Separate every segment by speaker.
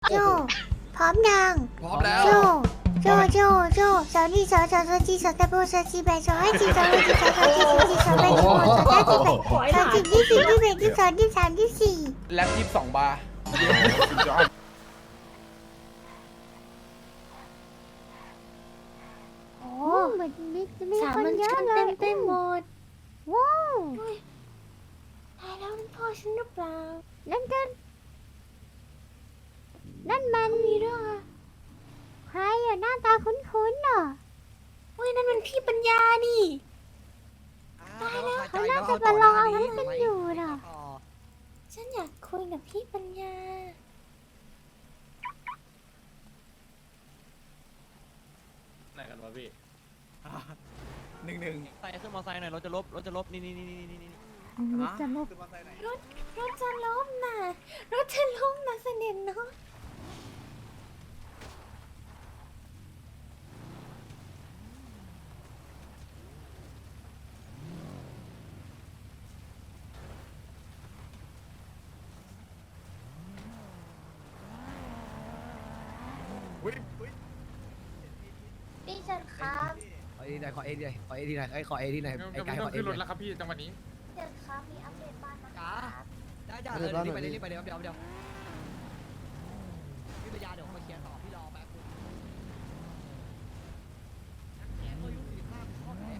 Speaker 1: โจพร้อมยัง
Speaker 2: พร้อมแล้ว
Speaker 1: โจสาวนี่สาวจีสาวตะโบสาวจีแบสาวให้จีสาวให้จีสาวจีสาวแบสาวสาวจีแบสาวจีที่สี่ที่แบที่สองที่สามที่สี่
Speaker 2: แล็บ22 บาร์
Speaker 1: โอ้เหมือนมีคนเยอะเลย
Speaker 3: เต็มหมด
Speaker 1: ว้าว
Speaker 3: ตายแล้วนั่นพ่อฉันหรือเปล่า
Speaker 1: นั่นมันมีเรื่องอะใครอะหน้าตาคุ้นๆอ่ะ
Speaker 3: เฮ้ยนั่นมันพี่ปัญญานี่
Speaker 1: เขาน่าจะมาลองอาวุธกันอยู่น่ะ
Speaker 3: ฉันอยากคุยกับพี่ปัญญา
Speaker 4: ไหนกันวะพี่
Speaker 2: 1-1
Speaker 4: ใส่ขึ้นมอไซค์หน่อยรถจะลบนี่
Speaker 1: จะลบ
Speaker 2: ขึ้นมาใส่ไหน
Speaker 3: รถจะล้มน่ะรถจะล้มน่ะเสด็จเนาะ
Speaker 2: อุ๊ย
Speaker 3: พี่ฉันครับ
Speaker 5: ขอเอดีหน่อยขอเอดีหน่อยขอเอดีหน่อยขอเอดีหน่อยไอ้ไก่ขอเอ
Speaker 6: ขึ้น
Speaker 5: ดี
Speaker 6: ร
Speaker 5: ห
Speaker 6: ถ
Speaker 5: น่
Speaker 6: แล้
Speaker 5: อยว
Speaker 6: ครับพี่จังหวะนี้
Speaker 3: เดี๋ยวครับมีอัปเดตบ้านนะ
Speaker 5: จ้าได้จ้าเลยรีบไปเลยรีบไปเดี๋ยวพี่ปัญญาเดี๋ยวมาเคลียร์ต่อพี่รอแป๊บนึงแขนตัวยุ่ง45ข้อไหน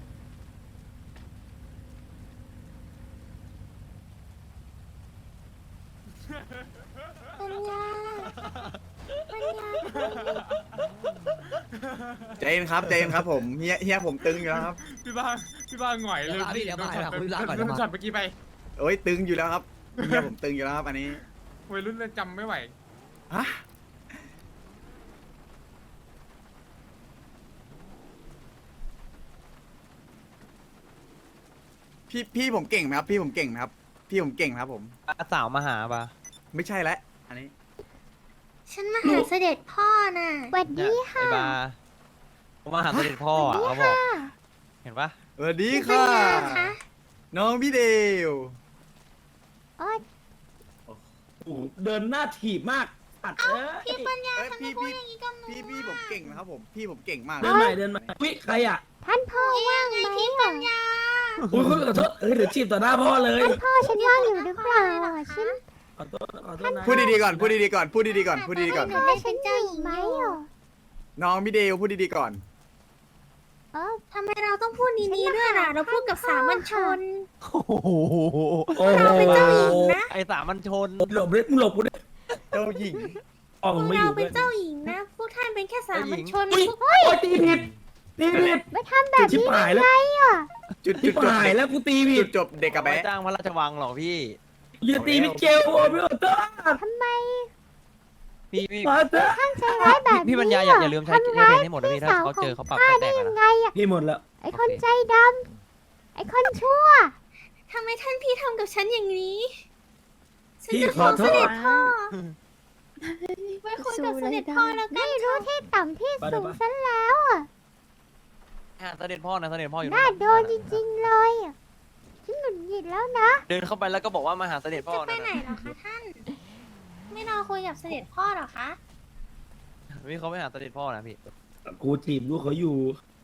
Speaker 3: ปัญญาปัญญา
Speaker 2: ใจเย็นครับผมเฮียผมตึงอยู่แล้วครับ
Speaker 6: พี่บ้าหงอยเลยโดนช็อตเมื่อกี้ไป
Speaker 2: โอ้ยตึงอยู่แล้วครับเฮียผมตึงอยู่แล้วครับอันนี้
Speaker 6: วัยรุ่นเลยจำไม่ไหว
Speaker 2: ฮะพี่ผมเก่งไหมครับพี่ผมเก่งไหมครับพี่ผมเก่งไหมครับผม
Speaker 4: สาวมาหาปะ
Speaker 2: ไม่ใช่แล้วอันนี้
Speaker 3: ฉันมาหาเสด็จพ่อน่ะ
Speaker 1: สวัส
Speaker 4: เนี่ย
Speaker 1: ดี
Speaker 4: ไอ้
Speaker 1: ค่ะ
Speaker 4: บาผมมาหาเสด็จพ่ออ่ะเขาบอกเห็นปะ
Speaker 2: สวัสดี
Speaker 3: พี่ปัญ
Speaker 2: ค่ะ
Speaker 3: ญาคะ
Speaker 2: น้องพี่เดว
Speaker 1: อ๋อ
Speaker 7: เดินหน้าถีบมากปัดเอ้ย
Speaker 3: พี่ปัญญา
Speaker 2: เอ้ย
Speaker 3: ทำไม
Speaker 2: พี่
Speaker 3: พูด
Speaker 2: พี่
Speaker 3: อย่างนี้กับหนู
Speaker 2: พี่ผมเก่งนะครับผมพี่ผมเก่งมาก
Speaker 7: เดินใหม่เดินใหม่วิใครอ่ะ
Speaker 1: ท่านพ่อว่างไหม
Speaker 3: พี่ปัญญา
Speaker 7: อุ้ยขอโทษเดี๋ยวจีบต่อหน้าพ่อเลย
Speaker 1: ท่านพ่อฉันว่างอยู่หรือเปล่าอ่ะฉัน
Speaker 7: ขอโทษนะ
Speaker 2: พูดดีๆก่อนพูดดีๆก่อนพูดดีๆก่อนพูดดีๆก่อน
Speaker 1: พ่อฉันอยู่ไหมอ่ะ
Speaker 2: น้องพี่เดวพูดดีๆก่อน
Speaker 1: เออ
Speaker 3: ทำไมเราต้องพูดนี้ๆด้วยล่ะ เราพูดกับสามัญชน
Speaker 4: โอ้โห
Speaker 7: โอ้โห
Speaker 3: เราเป็นเจ้าหญิงนะ
Speaker 4: ไอ้สามัญชน
Speaker 7: หลบเลยมึงหลบกูดิ
Speaker 2: เจ้าหญิง
Speaker 7: อ๋อ
Speaker 3: พ
Speaker 7: มึ
Speaker 3: ว
Speaker 7: ง
Speaker 3: ก
Speaker 7: ไม่อ
Speaker 3: เรา
Speaker 7: ยู่
Speaker 3: เป็น
Speaker 7: ด้วย
Speaker 3: เจ้าหญิงนะ พวกท่านเป็นแค่สามัญชน
Speaker 7: อุ้ย
Speaker 3: พวก
Speaker 7: โอ้ยตีผิดตีผิด
Speaker 1: ไม่ทำแบบ
Speaker 7: ชิบ
Speaker 1: นี้
Speaker 7: หายแล้ว
Speaker 2: จุด
Speaker 7: ชิบ
Speaker 2: จบ
Speaker 7: หายแล้วกูตีผิ
Speaker 2: จุ
Speaker 7: ด
Speaker 2: ดจบเด็กกับ
Speaker 4: ไม่
Speaker 2: แบ๊ะ
Speaker 4: จ้างพระราชวังหรอกพี่
Speaker 7: อย่าตีพี่เกลโอ้ยพี่ขอโทษ
Speaker 1: ทำไม
Speaker 4: พี่
Speaker 7: ขอโทษ
Speaker 1: ท่านใจร้ายแบบนี้
Speaker 4: พี่ปัญญาอย่าลืมใช้เพลงให้หมดนะพี่ถ้าเขาเจอเขาปรับ
Speaker 1: ข้า
Speaker 4: แต
Speaker 1: ได้
Speaker 4: ก
Speaker 1: ยัง
Speaker 4: นะ
Speaker 1: ไงอ่ะ
Speaker 7: พี่หมดแล้ว
Speaker 1: ไอคนใจดำไอคนชั่ว
Speaker 3: ทำไมท่านพี่ทำกับฉันอย่างนี้ฉัน
Speaker 7: พี่
Speaker 3: จะ
Speaker 7: ข
Speaker 3: ฟ้
Speaker 7: อ
Speaker 3: อง
Speaker 7: โท
Speaker 3: เสด็
Speaker 7: ษ
Speaker 3: จพ่อไปคุยกับเสด็จพ่อแล้วกั
Speaker 1: ไม่
Speaker 3: น
Speaker 1: รู้ที่ต่ำที่สูงซะแล้วอ่ะ
Speaker 4: เสด็จพ่อนะเสด็จพ่ออยู่
Speaker 1: น่าโดนจริงๆเลยอ่ะฉันหงุดหงิดแล้วนะ
Speaker 4: เดินเข้าไปแล้วก็บอกว่ามาหาเสด็จพ่อ
Speaker 3: จะไป
Speaker 4: นะ
Speaker 3: ไหนเหรอคะท่าน ไม่รอคุยกับเสด็จพ่อเหรอคะ
Speaker 4: พี่เขาไปหาเสด็จพ่อนะพี่
Speaker 7: กูจีบลูกเขาอยู่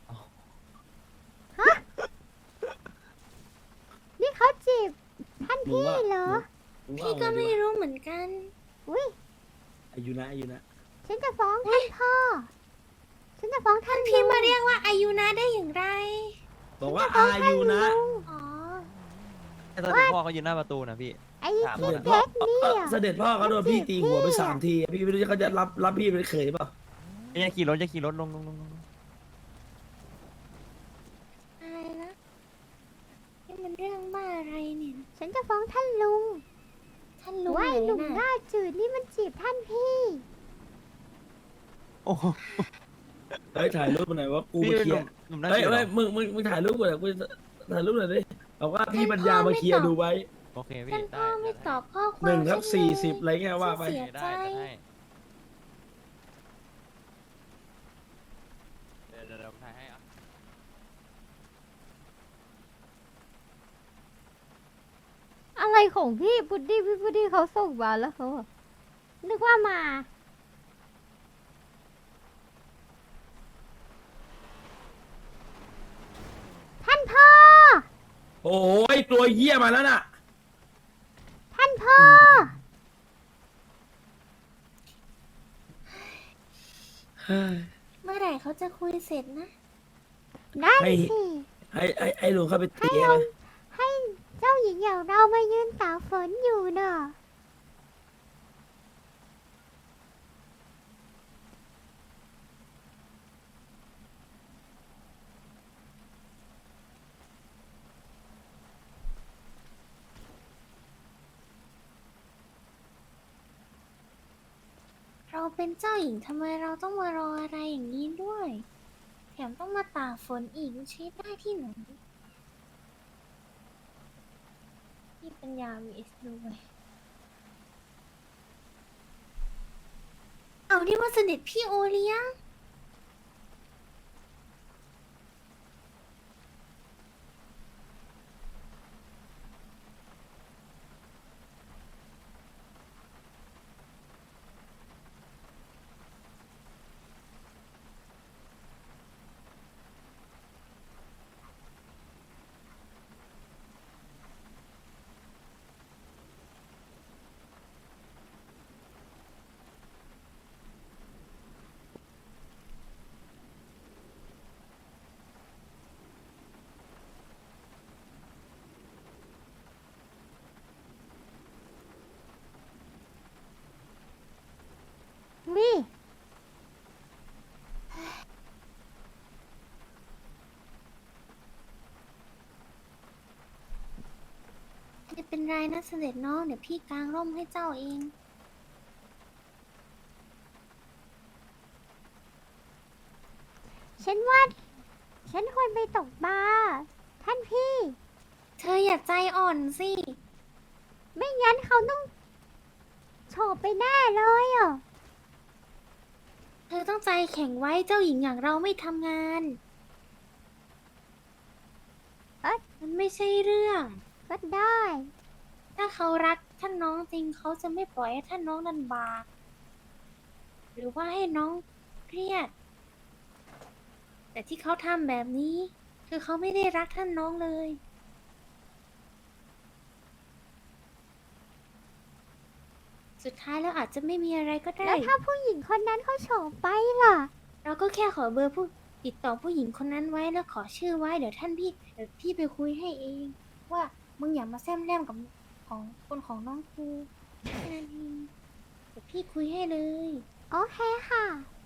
Speaker 1: นี่เขาจีบท่านพี่เหรอ
Speaker 3: พี่ก็ไม่รู้เหมือนกัน
Speaker 1: อุ้ย
Speaker 7: อายุนะอายุนะ
Speaker 1: ฉันจะฟ้องท่านพ่อ ฉันจะฟ้องท่าน
Speaker 3: พี่
Speaker 1: ลุง
Speaker 3: มาเรียกว่าอายุนะได้อย่างไร
Speaker 7: บอกว่าอายุนะ
Speaker 3: อ๋อ
Speaker 4: เสด็จพ่อเขายืนหน้าประตูนะพี่
Speaker 1: ไอ้
Speaker 4: ถาม
Speaker 1: ที่
Speaker 4: หน่อย
Speaker 1: เก๊กนี่อ่ะ
Speaker 7: เสด็จพ่อเขาโดนพี่ตีหัวไป3 ทีพี่ไม่รู้เขาจะรับพี่เป็นเขยเปล่า
Speaker 4: อย่าขี่รถลง
Speaker 3: อะไรนะนี่มันเรื่องบ้าอะไรเนี่ย
Speaker 1: ฉันจะฟ้องท่านลุง
Speaker 3: ท่านรู้
Speaker 1: ว่า
Speaker 3: ไห
Speaker 1: ไอ้หนุ่ม
Speaker 3: ม
Speaker 1: หน้าจืดนี่มันจีบท่านพี่
Speaker 4: โอ้โห
Speaker 7: เฮ้ยถ่ายรูปมาหน่อยว่ากู
Speaker 4: พี่
Speaker 7: มา
Speaker 4: เป็น
Speaker 7: เคลียร์
Speaker 4: หนุ่มหน้า
Speaker 7: เฮ้ย
Speaker 4: จืดเหร
Speaker 7: เฮ้ย
Speaker 4: อ
Speaker 7: มึงถ่ายรูปก่อนกูถ่ายรูปหน่อยดิบอกว่าพี่ปัญญามาเคลียร์ดูไว้
Speaker 4: โอเคพี่
Speaker 3: ท่านพ่อไม่ตอบข้อความ
Speaker 7: 1/40อะไรเงี้ยว่าไป
Speaker 3: เสียใจ
Speaker 4: ได้เดี๋ยวถ่ายให้อ่ะ
Speaker 1: อะไรของพี่พุดดี้พี่พุดดี้เขาส่งมาแล้วเขานึกว่ามา ท่านพ่อ
Speaker 7: โอ้ยตัวเหี้ยมาแล้วน่ะ
Speaker 1: ท่านพ่อ
Speaker 3: เมื่อไหร่เขาจะคุยเสร็จนะ
Speaker 1: ได้
Speaker 7: ให้
Speaker 1: สิ
Speaker 7: ให้ลุงเข้าไปตีไหม
Speaker 1: ให้เจ้าหญิงอย่างเรามายืนตากฝนอยู่เนอะ
Speaker 3: เราเป็นเจ้าหญิงทำไมเราต้องมารออะไรอย่างนี้ด้วย แถมต้องมาตากฝนอีกมันใช้ได้ที่ไหนพี่ปัญญา vs ด้วยเอานี่ว่าเสด็จพี่โอเลี้ยง
Speaker 1: นี่
Speaker 3: ไม่เป็นไรนะเสด็จน้องเดี๋ยวพี่กางร่มให้เจ้าเอง
Speaker 1: ฉันว่า ฉันควรไปตกปลาท่านพี่
Speaker 3: เธออย่าใจอ่อนสิ
Speaker 1: ไม่งั้นเขาต้องโฉบไปแน่เลยอ่ะ
Speaker 3: เธอต้องใจแข็งไว้เจ้าหญิงอย่างเราไม่ทำงาน
Speaker 1: เอ๊ะ
Speaker 3: มันไม่ใช่เรื่อง
Speaker 1: ก็ได้
Speaker 3: ถ้าเขารักท่านน้องจริงเขาจะไม่ปล่อยให้ท่านน้องลำบากหรือว่าให้น้องเครียด แต่ที่เขาทำแบบนี้ คือเขาไม่ได้รักท่านน้องเลย สุดท้ายแล้วอาจจะไม่มีอะไรก็ได้
Speaker 1: แล้วถ้าผู้หญิงคนนั้นเขาโฉบไปล่ะ
Speaker 3: เราก็แค่ขอเบอร์ผู้ติดต่อผู้หญิงคนนั้นไว้แล้วขอชื่อไว้เดี๋ยวพี่ไปคุยให้เอง ว่ามึงอย่ามาแซมแรมกับของคนของน้องกูแค่นั้นเองเดี๋ยวพี่คุยให้เลย
Speaker 1: โอเคค่ะ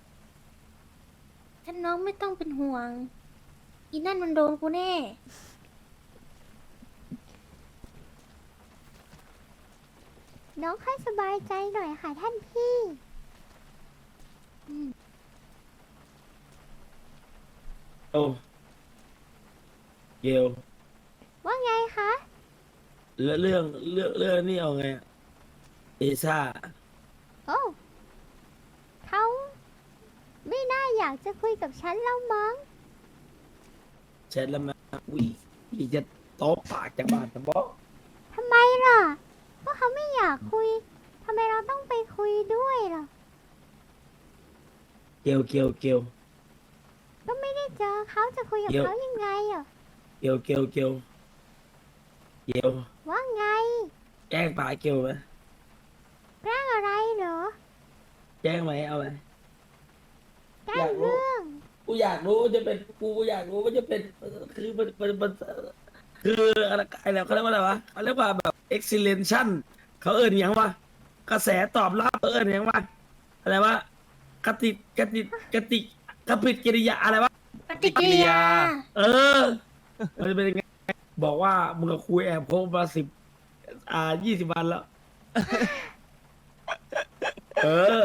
Speaker 3: ท่านน้องไม่ต้องเป็นห่วง อีนั่นมันโดนกูแน่
Speaker 1: น้องค่อยสบายใจหน่อยค่ะท่านพี่
Speaker 7: โอ้เกล
Speaker 1: ว่าไงคะ
Speaker 7: แล้วเรื่องนี่เอาไงอะเอซ่า
Speaker 1: โอ้เขาไม่น่าอยากจะคุยกับฉันแล้วมั้ง
Speaker 7: แชทแล้วมาอุ้ยพี่จะโต๊ะปากจากบ้านจะบอก
Speaker 1: ทำไมล่ะ ก็เขาไม่อยากคุย ทำไมเราต้องไปคุยด้วยล่ะ
Speaker 7: เกล
Speaker 1: ก็ไม่ได้เจอเขาจะคุยกับ
Speaker 7: เดี๋ยว
Speaker 1: เขายังไงอ่ะ
Speaker 7: เกล
Speaker 1: ว่าไง
Speaker 7: แจ้งป่าเกลไหม
Speaker 1: แกล้งอะไรเหรอ
Speaker 7: แจ้งไหมเอาไหม
Speaker 1: แกล้งเรื่อง
Speaker 7: กูอยากรู้จะเป็นกูอยากรู้ว่าจะเป็นคือมันคืออะไรเขาเรียกว่าอะไรวะเขาเรียกว่าแบบ excellence เขาเอิญยังวะกระแสตอบรับเขาเอิญยังวะอะไรวะกติกปิดกิริยาอะไรวะ
Speaker 3: ปฏิกิริยา
Speaker 7: เออ มันจะเป็นยังไงบอกว่ามึงกับคุยแอบคบมา20 วันแล้ว เออ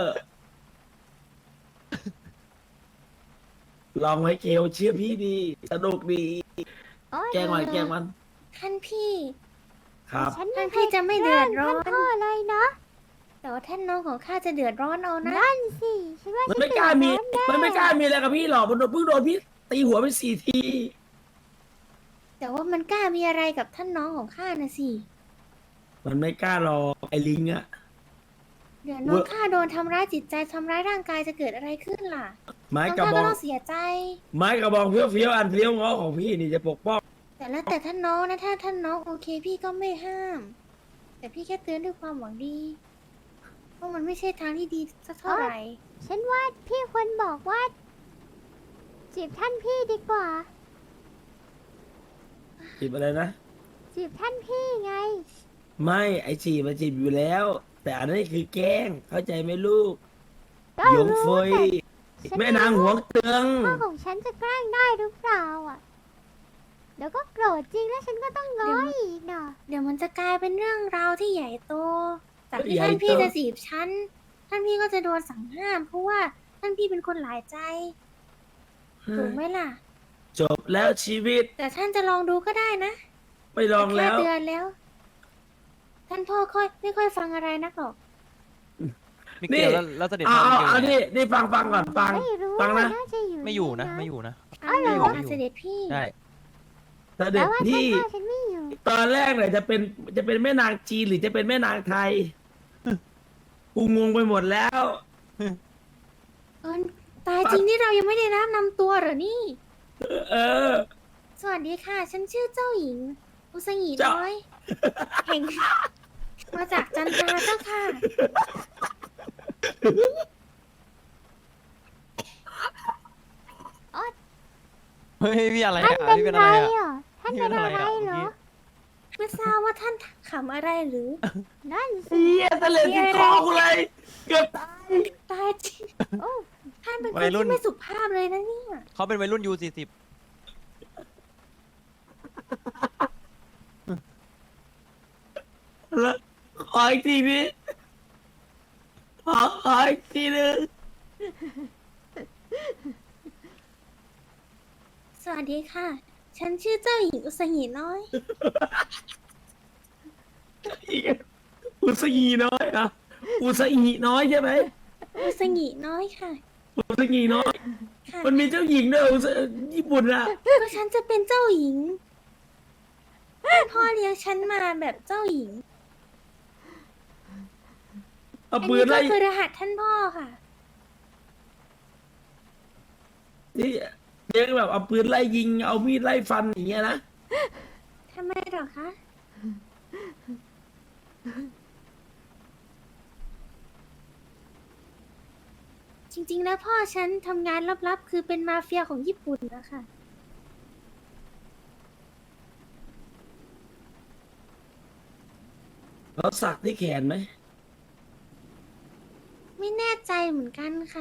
Speaker 7: ลองไว้เกลเชื่อพี่ดีสนุกดี
Speaker 1: โอ๊ย
Speaker 7: แกล้งมัน
Speaker 3: ท่านพี่
Speaker 7: ครับ
Speaker 1: ฉัน
Speaker 3: ท่านพี่จะไม่เดือดร้อน
Speaker 1: ท่านพ่อเลยนะ
Speaker 3: แต่ว่าท่านน้องของข้าจะเดือดร้อนเอานะ
Speaker 1: นั่นสิ ฉันว่า
Speaker 7: มัน
Speaker 1: ฉัน
Speaker 7: ไม่กล้ามี
Speaker 1: เดือดร้อนแน่
Speaker 7: มันไม่กล้ามีอะไรกับพี่หรอกมันเพิ่งโดนพี่ตีหัวไป4 ที
Speaker 3: แต่ว่ามันกล้ามีอะไรกับท่านน้องของข้านะสิ
Speaker 7: มันไม่กล้าหรอกไอ้ลิงอะ
Speaker 3: เดี๋ยวน้องข้าโดนทำร้ายจิตใจทำร้ายร่างกายจะเกิดอะไรขึ้นล่ะ
Speaker 7: ไม้
Speaker 3: น้อง
Speaker 7: กระ
Speaker 3: ข้า
Speaker 7: บ
Speaker 3: ก็
Speaker 7: อง
Speaker 3: ต้องเสียใจ
Speaker 7: ไม้กระบองเฟี้ยวๆอันเฟี้ยวง้อของพี่นี่จะปกป้อง
Speaker 3: แต่แล้วแต่ท่านน้องนะถ้าท่านน้องโอเคพี่ก็ไม่ห้าม แต่พี่แค่เตือนด้วยความหวังดีเพราะมันไม่ใช่ทางที่ดีสักเท่าไหร่
Speaker 1: ฉันว่าพี่ควรบอกว่าจีบท่านพี่ดีกว่า
Speaker 7: จีบอะไรนะ
Speaker 1: จีบท่านพี่ไง
Speaker 7: ไม่ไอจีบมันจีบอยู่แล้ว แต่อันนี้คือแกล้งเข้าใจไหมลูก
Speaker 1: ก็
Speaker 7: หยง
Speaker 1: รู้
Speaker 7: เฟย
Speaker 1: แต่ฉั
Speaker 7: แม่นางหวงเตือง
Speaker 1: พ่อของฉันจะแกล้งได้หรือเปล่าอ่ะ เดี๋ยวก็โกรธจริงแล้วฉันก็ต้องง้ออีกเนาะ
Speaker 3: เดี๋ยวมันจะกลายเป็นเรื่องราวที่ใหญ่โต จากที่
Speaker 7: ใหญ่
Speaker 3: ท่านพี่
Speaker 7: โต
Speaker 3: จะจีบฉัน ท่านพี่ก็จะโดนสั่งห้าม เพราะว่าท่านพี่เป็นคนหลายใจ ถูกไหมล่ะ
Speaker 7: จบแล้วชีวิต
Speaker 3: แต่ท่านจะลองดูก็ได้นะ
Speaker 7: ไม่ลอง
Speaker 3: แค่
Speaker 7: แล้ว
Speaker 3: เตือนแล้ว ท่านพ่อไม่ค่อยฟังอะไรนักหรอก
Speaker 4: ไม่เกี่ยวแล้วเสด็จ
Speaker 7: เอา
Speaker 4: พ่อ
Speaker 7: เอา
Speaker 4: ไม่เกี่ยว
Speaker 7: เอานี่ฟังก่อนฟัง
Speaker 1: ไม่รู้
Speaker 7: ฟังนะ
Speaker 1: น่าจะอยู่
Speaker 4: ไม่อยู่นะ
Speaker 1: ใ
Speaker 4: ไม่อยู่นะ
Speaker 3: อ้าวเหรอ
Speaker 4: ไม่อยู่
Speaker 3: เสด็จพี่
Speaker 4: ได้
Speaker 7: เส
Speaker 1: แต่
Speaker 7: ด็จ
Speaker 1: ว่าท่าน
Speaker 7: พี่
Speaker 1: พ่อฉันไม่อยู่
Speaker 7: ตอนแรกเนี่ยจะเป็นแม่นางจีนหรือจะเป็นแม่นางไทย กูงงไปหมดแล้ว
Speaker 3: ตายจริงที่เรายังไม่ได้รับนำตัวเหรอนี่
Speaker 7: เออ
Speaker 3: สวัสดีค่ะ ฉันชื่อเจ้าหญิง อุสงี
Speaker 7: เจ้า
Speaker 3: น้อยแห่งมาจากจันทราเจ้าค่ะ
Speaker 4: เฮ้ยพี่อะไร
Speaker 1: ท่าน
Speaker 4: อ่ะ
Speaker 1: เป็น
Speaker 4: พี่เป็น
Speaker 1: ใค
Speaker 4: อะ
Speaker 1: ร
Speaker 4: ไรอ่ะ
Speaker 1: อ่ะท่านเป็นอะไรเหรอ
Speaker 3: ไม่ทราบว่าท่านขำอะไรหรือ
Speaker 1: นั่นสิ
Speaker 7: เฮียทะเลติดคอกูเลย เกือบตาย
Speaker 3: ตายจริง
Speaker 1: โอ้
Speaker 3: ท่านเป็นคน
Speaker 4: วัยรุ่น
Speaker 3: ที่ไม่สุภาพเลยนะเนี่ย
Speaker 4: เขาเป็นวัยรุ่นยู40
Speaker 7: แล้วขออีกทีนี้ขออีกทีนึง
Speaker 3: สวัสดีค่ะ ฉันชื่อเจ้าหญิงอุสงีน้อย
Speaker 7: อุสงีน้อยอ่ะอุสงีน้อยใช่ไหม
Speaker 3: อุสงีน้อยค่ะ
Speaker 7: อุสงีน้อย
Speaker 3: ค่ะ
Speaker 7: มันมีเจ้าหญิงด้วยญี่ปุ่นอ่ะ
Speaker 3: ก็ฉันจะเป็นเจ้าหญิงท่านพ่อเลี้ยงฉันมาแบบเจ้าหญิง
Speaker 7: เอา
Speaker 3: อัน
Speaker 7: ปื
Speaker 3: นี้
Speaker 7: น
Speaker 3: ก็
Speaker 7: ไล่
Speaker 3: คือรหัสท่านพ่อค่ะ
Speaker 7: นี่เลี้ยงแบบเอาปืนไล่ยิง เอามีดไล่ฟันอย่างเงี้ยนะ
Speaker 3: ทำไมหรอคะ จริงๆ แล้วพ่อฉันทำงานลับๆ คือเป็นมาเฟียของญี่ปุ่นนะคะ
Speaker 7: เขาสักที่แขนไหม
Speaker 3: ไม่แน่ใจเหมือนกันค่ะ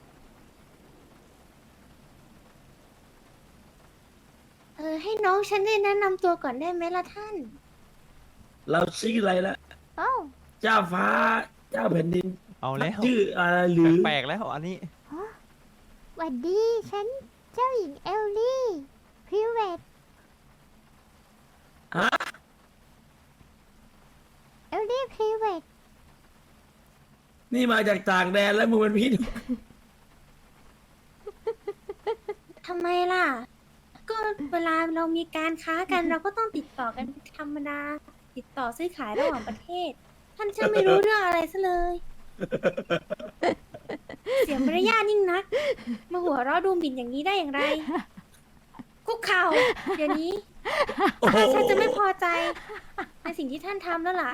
Speaker 3: ให้น้องฉันได้แนะนำตัวก่อนได้ไหมล่ะท่าน
Speaker 7: เราชื่ออะไรละ
Speaker 1: โอ้
Speaker 7: เจ้าฟ้า เจ้าแผ่นดิน
Speaker 4: เอาแล้ว
Speaker 7: ชื่ออะไรหรือ
Speaker 4: แปลกๆแล้วอันนี้
Speaker 1: หวัดดีฉันเจ้าหญิงเอลลี่พริเวต
Speaker 7: ฮะ
Speaker 1: เอลลี่พริเวต
Speaker 7: นี่มาจากต่างแดนแล้วมึงเป็นพี่
Speaker 3: ทำไมล่ะ ก็เวลาเรามีการค้ากัน เราก็ต้องติดต่อกันธรรมดา ติดต่อซื้อขายระหว่างประเทศ ท่านจะไม่รู้เรื่องอะไรซะเลย เสียมารยาทยิ่งนัก มาหัวเราะดูหมิ่นอย่างนี้ได้อย่างไร คุกเข่าเดี๋ยวนี้
Speaker 7: โอ้โห
Speaker 3: ฉันจะไม่พอใจ ในสิ่งที่ท่านทำแล้วล่ะ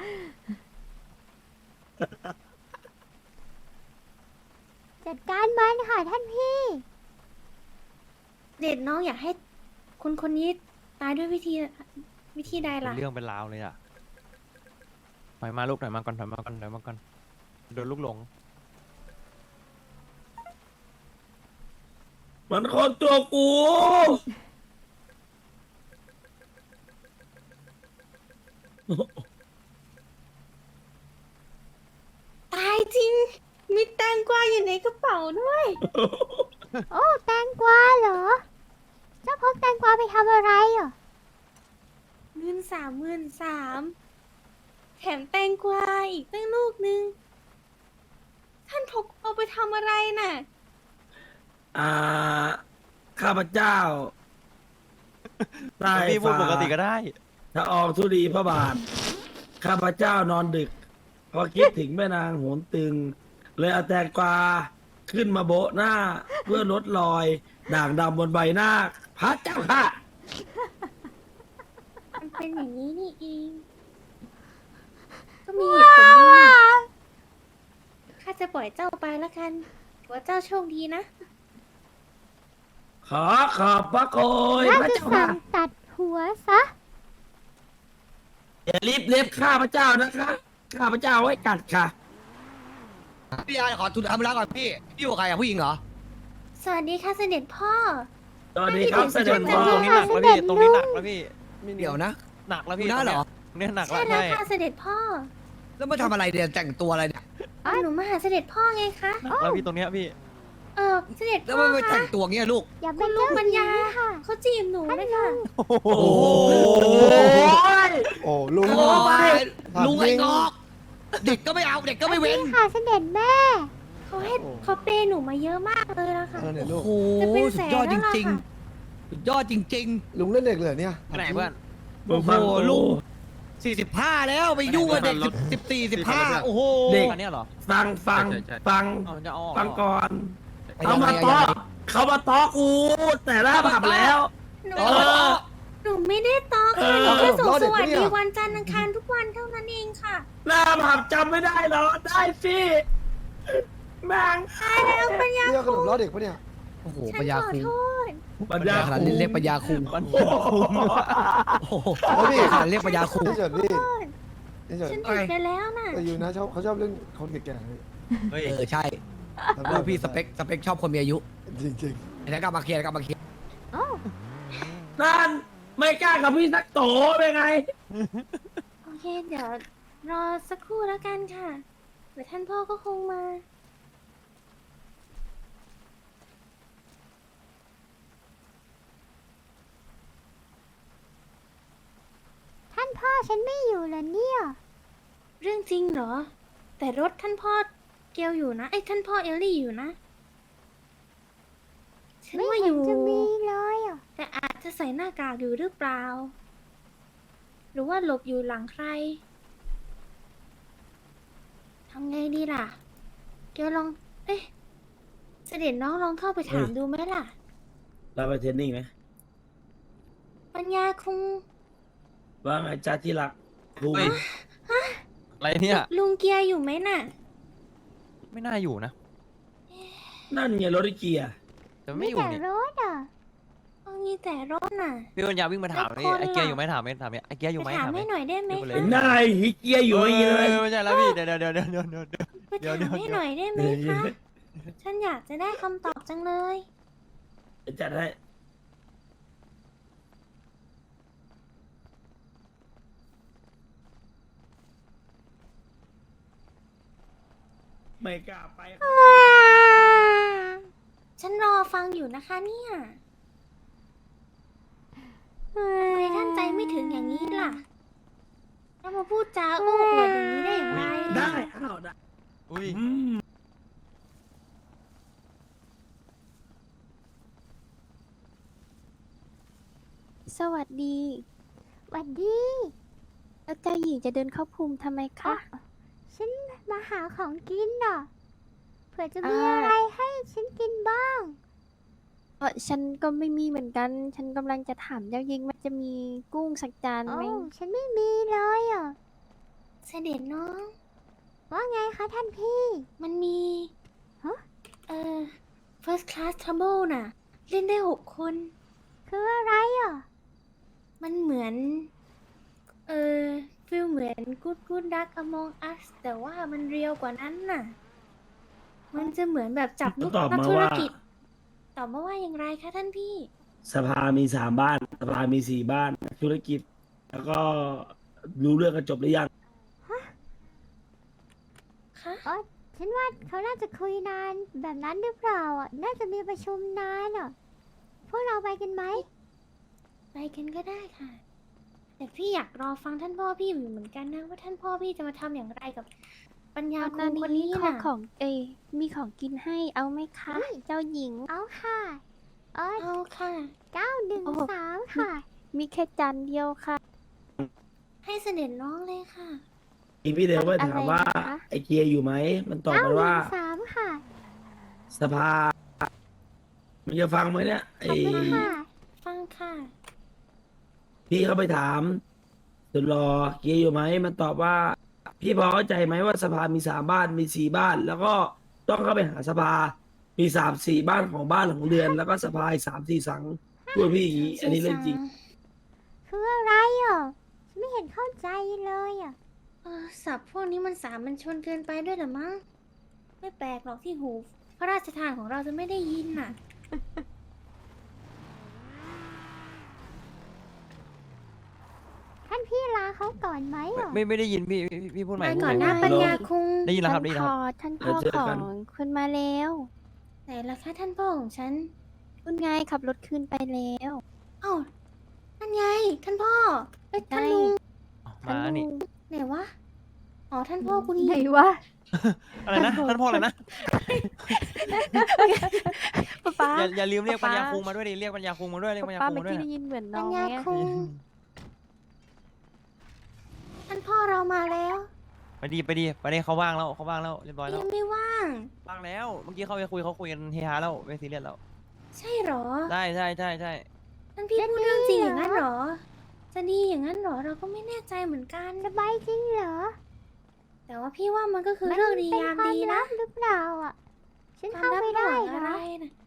Speaker 1: จัดการมันค่ะท่านพี่
Speaker 3: เด็ดน้องอยากให้คนคนนี้ตายด้วยวิธีใด
Speaker 4: เป็น
Speaker 3: ล่ะ
Speaker 4: เรื่องเป็นราวเลยอ่ะถอยมาลูกถอยมาก่อนถอยมาก่อนถอยมาก่อนโดนลูกหลง
Speaker 7: มันคนตัวกู
Speaker 3: ตายจริง มีแตงกวาอยู่ในกระเป๋าด้วย
Speaker 1: โอ้แตงกวาเหรอ เจ้าพกแตงกวาไปทำอะไรอ่ะ
Speaker 3: เงิน33,000แถมแตงกวาอีกตั้งลูกนึง ท่านพกเอาไปทำอะไรน่ะ
Speaker 7: ข้าพเจ้าได้
Speaker 4: พี่พูดปกติก็
Speaker 7: ฝ่า
Speaker 4: ได้
Speaker 7: ถ้าออกทุลีพระบาท ข้าพเจ้านอนดึกพอคิดถึงแม่นางโหนตึง เลยเอาแตงกวาขึ้นมาโบะหน้า เพื่อลดรอย ด่างดำบนใบหน้า พระเจ้าค่ะ
Speaker 3: มันเป็นอย่างนี้นี่เอง ก็มีเหตุผลดีข้าจะปล่อยเจ้าไปแล้วกันถือว่าเจ้าโชคดีนะ
Speaker 7: ขอขอบพระโกย
Speaker 1: น่า
Speaker 7: พระ
Speaker 1: จะ
Speaker 7: เจ้า
Speaker 1: สั่
Speaker 7: ค่ะ
Speaker 1: งตัดหัวซะ
Speaker 7: อย่ารีบเล็บข้าพระเจ้านะคะ ข้าพระเจ้าไว้กัดค่ะ
Speaker 5: พี่ยาขอทุนทำเวลาก่อนพี่อยู่กับใครอะผู้หญิงเหรอ
Speaker 3: สวัสดีค่ะเสด็จพ่อ
Speaker 7: สวัสดีครับเสด็จ
Speaker 3: ไม่
Speaker 7: พ่อ
Speaker 3: ได้
Speaker 4: ตรงนี้หนักแล้วพี่ตรงนี้หนักแล้วพี่
Speaker 5: เดี๋ยวนะ
Speaker 4: หนักแล้วพี่
Speaker 5: ดูหน้าเหรอ
Speaker 4: ตรงเนี้ยหนัก
Speaker 3: ใช่
Speaker 4: แล้ว
Speaker 3: แล้ว
Speaker 4: ใช่
Speaker 3: ค่ะเสด็จพ่อ
Speaker 5: แล้วมาทำอะไรเนี่ยแต่งตัวอะไรเนี่ย
Speaker 3: หนูมาหาเสด็จพ่อไงคะ
Speaker 4: หนักแล้วพี่ตรงเนี้ยพี่
Speaker 3: เสด็จ
Speaker 5: แล้ว
Speaker 3: พ่อ
Speaker 5: มันไปแต่
Speaker 3: คะ
Speaker 5: งตัวเงี้ยลูก
Speaker 1: อย่า
Speaker 3: คุ
Speaker 1: เป็น
Speaker 3: ณลุ
Speaker 1: เจ้าง
Speaker 3: ปัญญา
Speaker 1: ค่ะ
Speaker 3: เขาจีบหนูเลยค่ะ
Speaker 4: โอ้โห
Speaker 5: โอ้โห
Speaker 8: โอ้ลุง
Speaker 5: โอ้ย
Speaker 8: ถาม
Speaker 5: ลุงไอ้
Speaker 8: จริง
Speaker 5: งอกเด็กก็ไม่เอาเด็กก็ไม่เว้น
Speaker 1: นี่ค่ะเสด็จแม่
Speaker 3: เขาเปย์หนูมาเยอะมากเลยละค่ะ
Speaker 8: เออเนี่ยลู
Speaker 5: โอ้
Speaker 8: ก
Speaker 5: โห
Speaker 3: จะเป็น
Speaker 5: สุ
Speaker 3: แส
Speaker 5: ด
Speaker 3: น
Speaker 5: ยอด
Speaker 3: แล้
Speaker 5: จ
Speaker 3: วล่ะ
Speaker 5: ริง
Speaker 3: ค่ะ
Speaker 5: ๆสุดยอดจริง
Speaker 8: ลุงเล่นเด็กเลยเนี่ย
Speaker 4: ไปไหนเพื่อน
Speaker 7: มึงฟัง
Speaker 5: โอ้โห
Speaker 7: กู
Speaker 5: ลูก 45 แล้วไปยุ่งกับเด็ก14 15โอ้โห
Speaker 7: เด็ก
Speaker 4: อันเนี้ยเหรอ
Speaker 7: ฟัง
Speaker 4: ใช่ใช่
Speaker 7: ฟัง
Speaker 4: เอาจะเอาออก
Speaker 7: ฟัง
Speaker 4: เหรอ
Speaker 7: ก่อน
Speaker 5: ไป
Speaker 7: เขามา
Speaker 5: ยังไง
Speaker 7: ต้อ
Speaker 5: ยังไง
Speaker 7: เขามาต้อกูแต่ละผับแล้ว
Speaker 3: หนู
Speaker 7: เออ
Speaker 3: หนูไม่ได้ตอกค่ะ
Speaker 7: เออ
Speaker 3: หนูแค่ส่ง
Speaker 8: รอ
Speaker 3: ส
Speaker 8: เด็ก
Speaker 3: วัส
Speaker 8: ปะเนี่
Speaker 3: ดี
Speaker 8: ย
Speaker 3: วันจันทร์อังคารทุกวันเท่านั้นเองค่ะ
Speaker 7: หน้าผับจำไม่ได้เหรอได้สิแม่ง
Speaker 3: ใช่แล้วปัญญา
Speaker 8: เรียกขนมล้อเด็กปะเนี่ย
Speaker 5: โอ้โห
Speaker 3: ฉัน
Speaker 5: ปัญญา
Speaker 3: ขอ
Speaker 5: คุง
Speaker 3: โทษ
Speaker 7: ปัญญา
Speaker 5: ขนาดนี้เรียกปัญญาคุง
Speaker 4: มัน
Speaker 5: โอ้โหขนาดเรียกปัญญาคุง
Speaker 8: นี่เฉินพี่นี่เฉิน
Speaker 3: ฉันผิดไปแล้วน่ะ
Speaker 8: แต่อยู่นะเขาชอบเรื่องคนแก่ๆพี่
Speaker 4: เฮ้ย
Speaker 5: ใช่ลูกพี่สเปคชอบคนมีอายุ
Speaker 8: จริง
Speaker 5: ไอ้นั่นก็มาเคลียร์
Speaker 7: นั่นไม่กล้ากับพี่สักโตเป็นไง
Speaker 3: โอเค เดี๋ยวรอสักครู่แล้วกันค่ะเดี๋ยวท่านพ่อก็คงมา
Speaker 1: ท่านพ่อฉันไม่อยู่เหรอเนี่ย
Speaker 3: เรื่องจริงเหรอ แต่รถท่านพ่อเกลอยู่นะไอ้ยท่านพ่อเอลลี่อยู่นะ ฉัน
Speaker 1: ไม่
Speaker 3: ว่าอ
Speaker 1: เห็น
Speaker 3: ยู่
Speaker 1: จะมีเลยอ่ะ
Speaker 3: แต่อาจจะใส่หน้ากากอยู่หรือเปล่า หรือว่าหลบอยู่หลังใครทำไงดีล่ะ เกลลอง เอ๊ะเสด็จน้องลองเข้าไปถาม
Speaker 7: เฮ้ย
Speaker 3: ดูไหมล่ะ
Speaker 7: เราไปเทรนนิ่งไหม
Speaker 3: ปัญญาคง
Speaker 7: ว่าไงจ้าที่รักครู
Speaker 4: เฮ้ย อะไรเนี่ย
Speaker 3: ลุงเกียร์อยู่ไหมน่ะ
Speaker 4: ไม่น่าอยู่นะ
Speaker 7: นั่นไงรถไอ้เกียร์
Speaker 4: แต่ไม่อยู่
Speaker 1: แต่
Speaker 4: เนี่ย
Speaker 1: รถอ่ะ
Speaker 3: มีแต่รถน่ะ
Speaker 4: พี่ปัญญาวิ่งมาถาม
Speaker 3: แล้ว
Speaker 4: นี่
Speaker 3: คน
Speaker 4: ไอ้เกียร์
Speaker 3: ล่ะ
Speaker 4: อยู่ไหมถามไหมถามเนี่ยไอ้เกียร์อยู่ไหม
Speaker 3: ไปถาม
Speaker 4: ถามไหม
Speaker 3: ให้หน่อยได้ไหม
Speaker 4: เดี๋ยวไปเลย
Speaker 3: คะ
Speaker 7: เห็นหน้าไอ้เกียร์อยู่ไอ้เงี้ยเลย
Speaker 4: ไม่ใช่แล้วพี่เดี๋ยว
Speaker 3: ไปถามให้หน่อยได้ไหมคะ ฉันอยากจะได้คำตอบจังเลย
Speaker 7: จัดให้ไม่กล้าไป
Speaker 3: ฉันรอฟังอยู่นะคะเนี่ยทำไมท่านใจไม่ถึงอย่างนี้ล่ะแล้วมาพูดจาโอ้อวดอย่างนี้ได้อย่างไร
Speaker 7: ได้อ้าวได้
Speaker 4: อุ้ย
Speaker 7: อืม
Speaker 9: สวัสดี
Speaker 1: หวัดดี
Speaker 9: แล้วเจ้าหญิงจะเดินเข้าภูมิทำไมคะ
Speaker 1: ฉันมาหาของกินน่ะ เผื่อจะมี
Speaker 9: อ่า
Speaker 1: อะไรให้ฉันกินบ้าง
Speaker 9: ฉันก็ไม่มีเหมือนกัน ฉันกำลังจะถามเจ้าหญิงมันจะมีกุ้งสักจาน
Speaker 1: โอ้
Speaker 9: ไหม
Speaker 1: ฉันไม่มีเลยอ่ะ
Speaker 3: เสด็จน้อง
Speaker 1: ว่าไงคะท่านพี่
Speaker 3: มันมี
Speaker 1: ฮะ
Speaker 3: first class trouble น่ะ เล่นได้6 คน
Speaker 1: คืออะไรอ่ะ
Speaker 3: มันเหมือน ฟิลเหมือน good duck among us แต่ว่ามันเรียวกว่านั้นน่ะ มันจะเหมือนแบบจับลูก
Speaker 7: ตอบ
Speaker 3: นัก
Speaker 7: มา
Speaker 3: ธุร
Speaker 7: ว่า
Speaker 3: กิจ ตอบมาว่าอย่างไรคะท่านพี่
Speaker 7: สภามี3 บ้าน สภามี4 บ้าน ธุรกิจ แล้วก็รู้เรื่องกันจบหรือยัง
Speaker 3: คะ
Speaker 1: อ๋อ ฉันว่าเขาน่าจะคุยนานแบบนั้นหรือเปล่าอ่ะ น่าจะมีประชุมนานอ่ะ พวกเราไปกันไหม
Speaker 3: ไปกันก็ได้ค่ะ แต่พี่อยากรอฟังท่านพ่อพี่อยู่เหมือนกันนะว่าท่านพ่อพี่จะมาทำอย่างไรกับปัญญา
Speaker 9: ต
Speaker 3: คุ
Speaker 9: อน
Speaker 3: ณคน
Speaker 9: นี้
Speaker 3: นี้
Speaker 9: ขอ
Speaker 3: น่ะ
Speaker 9: ของมีของกินให้เอาไหมคะ เจ้าหญิง
Speaker 1: เอาค่ะเอ้ย
Speaker 3: เอาค่ะ
Speaker 9: โอ้โห
Speaker 1: 913 ค่ะ
Speaker 9: มีแค่จานเดียวค่ะ
Speaker 3: ให้เสด็จน้องเลยค่ะ
Speaker 7: พี่เดียวก็ถามว่า
Speaker 9: อะไรนะคะ
Speaker 7: ไอเกียร์อยู่ไหมมันตอบ
Speaker 1: เอ้า
Speaker 7: มาว่า
Speaker 1: 13ค่ะ
Speaker 7: สภามันจะฟังไหมเนี่ยไอ
Speaker 1: ขอบคุณค่ะ
Speaker 3: ฟังค่ะ
Speaker 7: พี่เขาไปถามสุดรอเกียร์อยู่ไหมมันตอบว่า พี่พอเข้าใจไหมว่าสภามี3 บ้านมี4 บ้าน แล้วก็ต้องเข้าไปหาสภา มี3-4 บ้านของบ้านของเรือน แล้วก็สภาอีก3-4 สังพูดพี่อย่างนี้อันนี้เรื่องจริง
Speaker 1: คืออะไรอ่ะฉันไม่เห็นเข้าใจเลยอ่ะ
Speaker 3: ศัพท์พวกนี้มันสามัญชนเกินไปด้วยเหรอมั้ง ไม่แปลกหรอกที่หู พระราชทานของเราจะไม่ได้ยินน่ะ
Speaker 1: ท่านพี่ลาเขาก่อนไหมอ่ะ
Speaker 4: ไม่ได้ยินพี่พูดใหม่
Speaker 3: ไป
Speaker 4: พูด
Speaker 3: ก่อน
Speaker 4: ให
Speaker 3: นะ
Speaker 4: ม่
Speaker 3: ปัญญาคุง
Speaker 4: ได้ยินแล้วครับได้ยินแล้วครับ
Speaker 9: ท่านพ่อ
Speaker 7: เดี๋ยวเจอ
Speaker 9: ข
Speaker 7: กั
Speaker 9: อน งคุณมาแล้ว
Speaker 3: ไหนล่ะคะท่านพ่อของฉัน
Speaker 9: คุณไงขับรถขึ้นไปแล้ว
Speaker 3: เอ้านั่นไง ท่านพ่อเอ้ยท่าน
Speaker 9: ใช่
Speaker 3: ลุง
Speaker 4: มานี่
Speaker 3: ไหนวะ อ๋อ ท่านพ่อกูนี่
Speaker 9: ไหนวะ
Speaker 4: อะไรนะท่านพ่ออะไรนะ
Speaker 9: ป๊าป๊า
Speaker 4: อย่าลืมเรียก
Speaker 9: ป๊า
Speaker 4: ปัญญาคุงมาด้วยดิเรียกปัญญาคุงมาด้วยเรียกปัญญา
Speaker 9: ป๊า
Speaker 4: คุง
Speaker 9: เมื่อ
Speaker 4: มาด้วย
Speaker 9: กี้
Speaker 4: นะ
Speaker 9: ได้ยินเหมือนน้
Speaker 3: ปั
Speaker 9: อ
Speaker 3: ญ
Speaker 9: ง
Speaker 3: ญา
Speaker 9: เนี่ย
Speaker 3: คุง ท่านพ่อเรามาแล้ว
Speaker 4: ไปดีเขาว่างแล้วเรียบร้อยแล้ว
Speaker 3: ยังไม่ว่าง
Speaker 4: ว่างแล้วเมื่อกี้เขาไปคุยเขาคุยกันเฮฮาแล้วไม่ซีเรียสแล้ว
Speaker 3: ใช่เหรอ
Speaker 4: ใช่
Speaker 3: ท่านพี่พูดเรื่องจริงอย่างนั้นเหรอ จะดีอย่างนั้นเหรอ เราก็ไม่แน่ใจเหมือนกัน
Speaker 1: สบายจริงเหรอ
Speaker 3: แต่ว่าพี่ว่ามันก็คือเรื่องดียามดี
Speaker 1: เป็นคว
Speaker 3: นะ
Speaker 1: ลับหรือเปล่าอ่ะ ฉัน
Speaker 3: ควา
Speaker 1: เข้าม
Speaker 3: ลับ
Speaker 1: ไม่
Speaker 3: ระห
Speaker 1: ได้
Speaker 3: ว่าง
Speaker 1: เหร
Speaker 3: อะไร
Speaker 1: อ
Speaker 3: นะ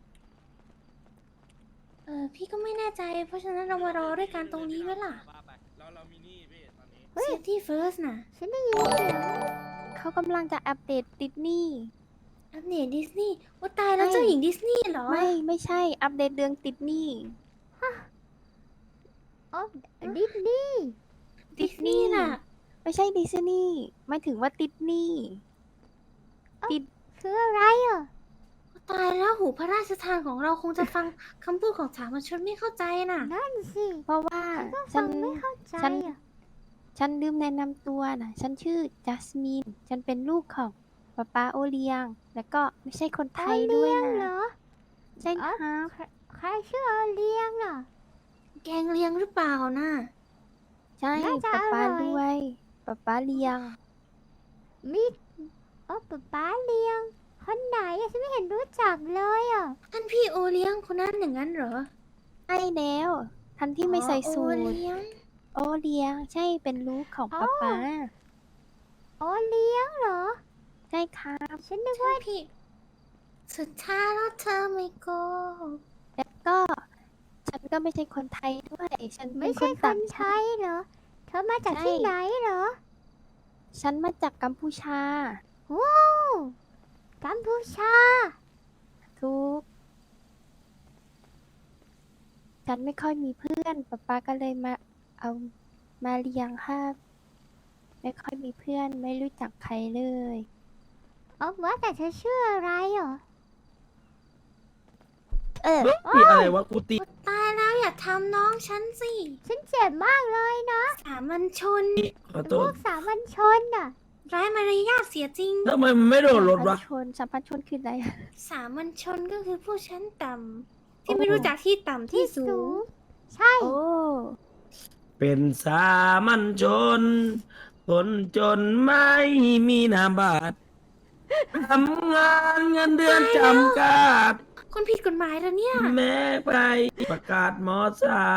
Speaker 3: พี่ก็ไม่แน่ใจ เพราะฉะนั้นเรามารอด้วยกันตรงนี้ไหมล่ะ
Speaker 6: เรามีหนี่พี่ตอนนี้
Speaker 1: เฮ้ย
Speaker 3: Safety first น่ะ
Speaker 1: ฉันได้ยินเสียง
Speaker 9: เขากำลังจะอัปเดตดิสนีย์
Speaker 3: อัปเดตดิสนีย์ว่าตายแล้ว
Speaker 9: ไม่
Speaker 3: เจ้าหญิงดิสนีย์เหรอ
Speaker 9: ไม่ใช่อัปเดตเรื่องดิสนีย์
Speaker 1: อ๋อดิสนีย์
Speaker 3: ดิสนีย์น่ะ
Speaker 9: ไม่ใช่ดิสนีย์หมายถึงว่าดิสนีย์
Speaker 1: คืออะไรอ่ะ
Speaker 3: ตายแล้วหูพระราชทานของเราคงจะฟังคำพูดของสามัญชนไม่เข้าใจน่ะ
Speaker 1: นั่นสิ
Speaker 9: เพราะว่า
Speaker 1: ก็
Speaker 9: ฉั
Speaker 1: ฟั
Speaker 9: น
Speaker 1: งไม่เข้าใจ
Speaker 9: ฉัน
Speaker 1: อ่ะ
Speaker 9: ฉันลืมแนะนำตัวนะฉันชื่อจัสมินฉันเป็นลูกของป๊าป๊าโอเลียง แล้วก็ไม่ใช่คนไทยด้วย
Speaker 1: เลี้ยงเหร
Speaker 9: นะ
Speaker 1: อ
Speaker 9: ใช่ครับ
Speaker 1: ใครชื่อเลี้ยงอ่ะ
Speaker 3: แกงเลียงหรือเปล่าน่ะ
Speaker 9: ใช่
Speaker 1: น่าจะ
Speaker 9: ป๊าป๊า
Speaker 1: อร่อย
Speaker 9: ด้วยป๊าป๊าเลียง
Speaker 1: มีป๊าเลี้ยง คนไหนอ่ะฉันไม่เห็นรู้จักเลยอ่ะ
Speaker 3: ท่านพี่โอเลี้ยงคนนั้นอย่างนั้นเหรอ
Speaker 9: ใช่แล้วทันที่ไม่ใส่สู
Speaker 3: อ๋อ
Speaker 9: ท
Speaker 3: โอเลี้ยง
Speaker 9: โอเลียง ใช่เป็นลูกของป๊าป๊า
Speaker 1: อ๋อเลี้ยงเหรอ
Speaker 9: ใช่ครับ
Speaker 1: ฉันนึก
Speaker 3: ท่า
Speaker 1: ว่าน
Speaker 3: พี่ สุดท้ายแล้วเธอไม่โกหก
Speaker 9: แล้วก็ฉันก็ไม่ใช่คนไทยด้วย ฉันเป็
Speaker 1: ไม่
Speaker 9: นค
Speaker 1: ใช่
Speaker 9: น
Speaker 1: ค
Speaker 9: ต่าง
Speaker 1: นไท
Speaker 9: ชาติ
Speaker 1: ยเหรอ เธอมาจาก
Speaker 9: ใช่
Speaker 1: ที่ไหนเหรอ
Speaker 9: ฉันมาจากกัมพูชา
Speaker 1: ว้าวกัมพูชา
Speaker 9: ทุก ฉันไม่ค่อยมีเพื่อนป๊าป๊าก็เลยเอามาเลี้ยงครับ ไม่ค่อยมีเพื่อนไม่รู้จักใครเลย
Speaker 1: ว่าแต่เธอชื่ออะไรเหรอ
Speaker 7: นี่อะไรวะกูตี
Speaker 3: ตายแล้วอย่าทำน้องฉันสิ
Speaker 1: ฉันเจ็บมากเลยนะ
Speaker 3: สามัญชน
Speaker 7: ขอโท
Speaker 1: พว
Speaker 7: ษ
Speaker 1: กสามัญชนน่ะ
Speaker 3: ร้ายมารยาทเสียจริง
Speaker 7: ทำไมมันไม่โดนรถวะ
Speaker 9: สัมพันธ์ชนคืออะไรอะ
Speaker 3: สามัญชนก็คือผู้ชั้นต่ำที่ไม่รู้จักที่ต่ำที่สูง
Speaker 1: ใช่
Speaker 9: โอ้
Speaker 7: เป็นสามัญชน คนจนไม่มีนามบัตรทำงานเงินเดือนจำกัด
Speaker 3: คนผิดกฎหมายแล้วเนี่ย
Speaker 7: แม้ไปประกาศมสาม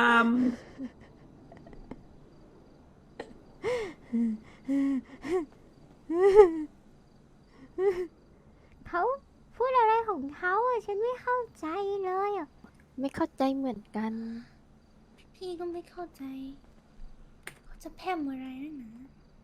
Speaker 1: เขาพูดอะไรของเขาอ่ะ ฉันไม่เข้าใจเลยอ่ะ
Speaker 9: ไม่เข้าใจเหมือนกัน
Speaker 3: พี่ก็ไม่เข้าใจ เขาจะแพร่มอะไรนั่นนะ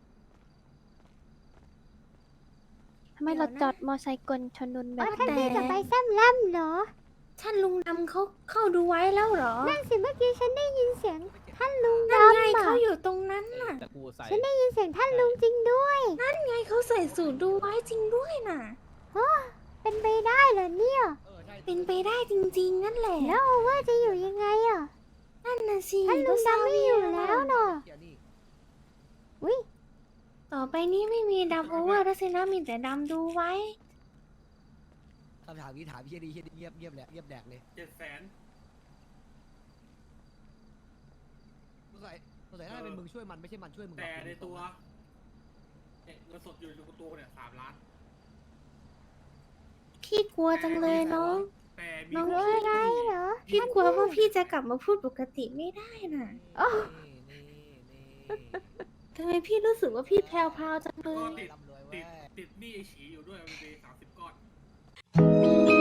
Speaker 9: ทำไมเราจอดมอไซค์กลชนนแบ
Speaker 1: ว่า
Speaker 9: บ
Speaker 1: ท่าน
Speaker 9: นี้
Speaker 1: พี่จะไปแซมแล่มเหรอ
Speaker 3: ท่านลุงดำเขาเข้าดูไว้แล้วเหรอ
Speaker 1: นั่นสิเมื่อกี้ฉันได้ยินเสียงท่านลุง
Speaker 3: นั่น
Speaker 1: ดำ
Speaker 3: ไง
Speaker 1: อ่ะ
Speaker 3: เขาอยู่ตรงนั้นน่ะ
Speaker 1: ฉันได้ยินเสียงท่านลุงจริงด้วย
Speaker 3: นั่นไงเขาใส่สูตรดูไว้จริงด้วยน่ะ
Speaker 1: เป็นไปได้เหรอเนี่ย
Speaker 3: เป็นไปได้จริงๆ นั่นแหละ
Speaker 1: แล้วโอเวอร์จะอยู่ยังไงอ่ะ
Speaker 3: นั่นน่ะสิ
Speaker 1: ท่านลุงดำไม่อยู่แล้วเนาะอุ้ย
Speaker 3: ต่อไปนี้ไม่มีดำโอเวอร์แล้วสินะมีแต่ดำดูไว้
Speaker 5: คำถามนี้ถามพี่ดีเงียบแหละเงียบแดกเลย
Speaker 6: 700,000
Speaker 5: สงสัยน่าจะเป็นมึงช่วยมันไม่ใช่มันช่วยมึงหรอก
Speaker 6: แต่ในตัวเงินสดอยู่ในตัวเนี่ย3 ล้าน
Speaker 3: พี่กลัวจังเลยน้อง
Speaker 6: แต่มี
Speaker 3: น้อง
Speaker 1: รู้อะไรเหรอ
Speaker 3: พี่กลัวว่าพี่จะกลับมาพูดปกติไม่ได้น่ะ
Speaker 1: โอ้
Speaker 3: ทำไมพี่รู้สึกว่าพี่แพรวๆจังเล
Speaker 6: ก็
Speaker 3: ย
Speaker 6: ติดหนี้ไอ้ฉีอยู่ด้วยมันเป็น30 ก้อน